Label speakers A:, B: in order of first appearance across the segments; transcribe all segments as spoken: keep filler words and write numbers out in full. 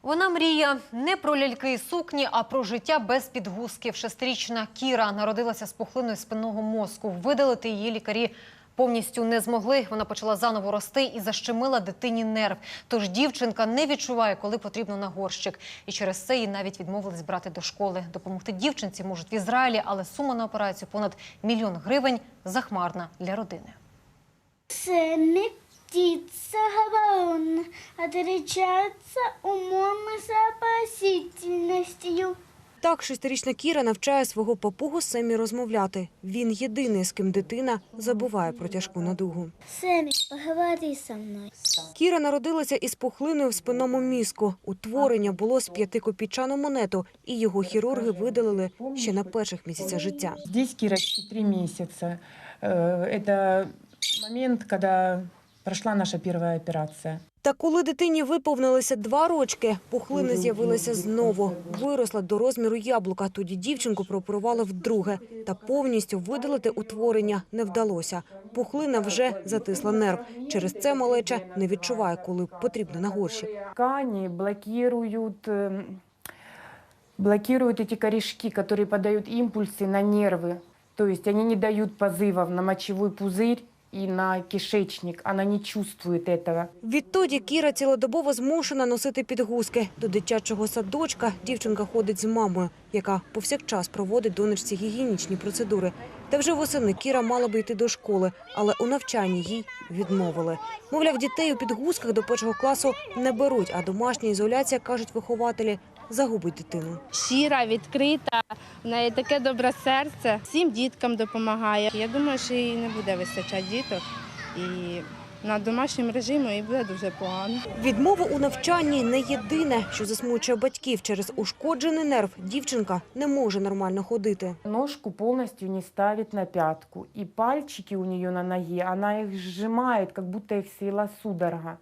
A: Вона мріє не про ляльки і сукні, а про життя без підгузків. Шестирічна Кіра народилася з пухлиною спинного мозку. Видалити її лікарі повністю не змогли. Вона почала заново рости і защемила дитині нерв. Тож дівчинка не відчуває, коли потрібно на горщик. І через це її навіть відмовились брати до школи. Допомогти дівчинці можуть в Ізраїлі, але сума на операцію понад мільйон гривень захмарна для родини.
B: Це не птиця говорона, отличается умом и сообразительностью.
C: Так шестирічна Кіра навчає свого папугу Семі розмовляти. Він єдиний, з ким дитина забуває про тяжку недугу.
B: Семі, поговори со мною.
C: Кіра народилася із пухлиною в спинному мізку. Утворення було з п'ятикопійчану монету, і його хірурги видалили ще на перших місяцях життя.
D: Здесь Кирочке три месяца. Это момент, когда прошла наша первая операция.
C: Та коли дитині виповнилося два рочки, пухлина з'явилася знову. Виросла до розміру яблука. Тоді дівчинку прооперували вдруге. Та повністю видалити утворення не вдалося. Пухлина вже затисла нерв. Через це малеча не відчуває, коли потрібно на горщик.
D: Ткани блокируют, блокируют эти корешки, которые подают импульсы на нервы. То есть они не дают позывов на мочевой пузырь і на кишечник, вона не чувствує цього.
C: Відтоді Кіра цілодобово змушена носити підгузки. До дитячого садочка дівчинка ходить з мамою, яка повсякчас проводить донечці гігієнічні процедури. Та вже восени Кіра мала би йти до школи, але у навчанні їй відмовили. Мовляв, дітей у підгузках до першого класу не беруть, а домашня ізоляція, кажуть вихователі, загубить дитину.
E: Щира, відкрита, в неї таке добре серце, всім діткам допомагає. Я думаю, що їй не буде вистачати діток і на домашньому режимі їй буде дуже погано.
C: Відмова у навчанні не єдине, що засмучує батьків. Через ушкоджений нерв дівчинка не може нормально ходити.
D: Ножку повністю не ставить на п'ятку, і пальчики у неї на ногі, вона їх зжимає, як будто їх свела судорога.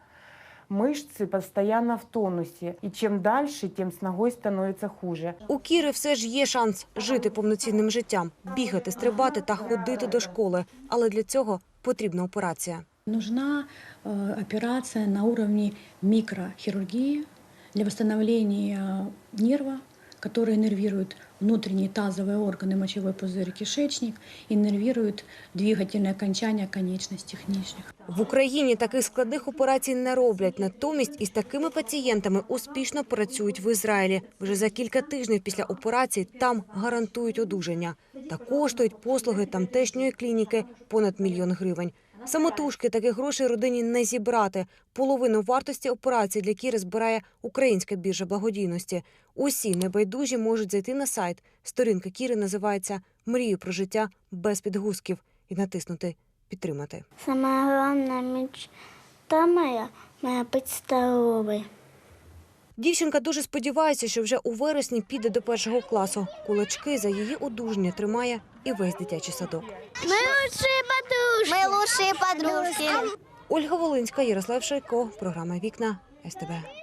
D: Мышцы постоянно в тонусі. І чим далі, тим з ногою становиться хуже.
C: У Кіри все ж є шанс жити повноцінним життям, бігати, стрибати та ходити до школи. Але для цього потрібна операція.
F: Нужна э, операция на уровне микрохирургии для восстановления нерва, который иннервирует внутренние тазовые органы, мочевой пузырь, кишечник, иннервирует двигательные окончания конечностей нижних.
C: В Україні таких складних операцій не роблять. Натомість із такими пацієнтами успішно працюють в Ізраїлі. Вже за кілька тижнів після операції там гарантують одужання. Та коштують послуги тамтешньої клініки понад мільйон гривень. Самотужки таких грошей родині не зібрати. Половину вартості операції для Кіри збирає Українська біржа благодійності. Усі небайдужі можуть зайти на сайт. Сторінка Кіри називається «Мрію про життя без підгузків» і натиснути «Підтримати».
B: Самая главная мечта моя, моя быть здоровой.
C: Дівчинка дуже сподівається, що вже у вересні піде до першого класу. Кулачки за її одужання тримає і весь дитячий садок.
B: Ми лучші подружки. Ми лучші подружки.
C: Ольга Волинська, Ярослав Шайко. Програма «Вікна» ес те бе.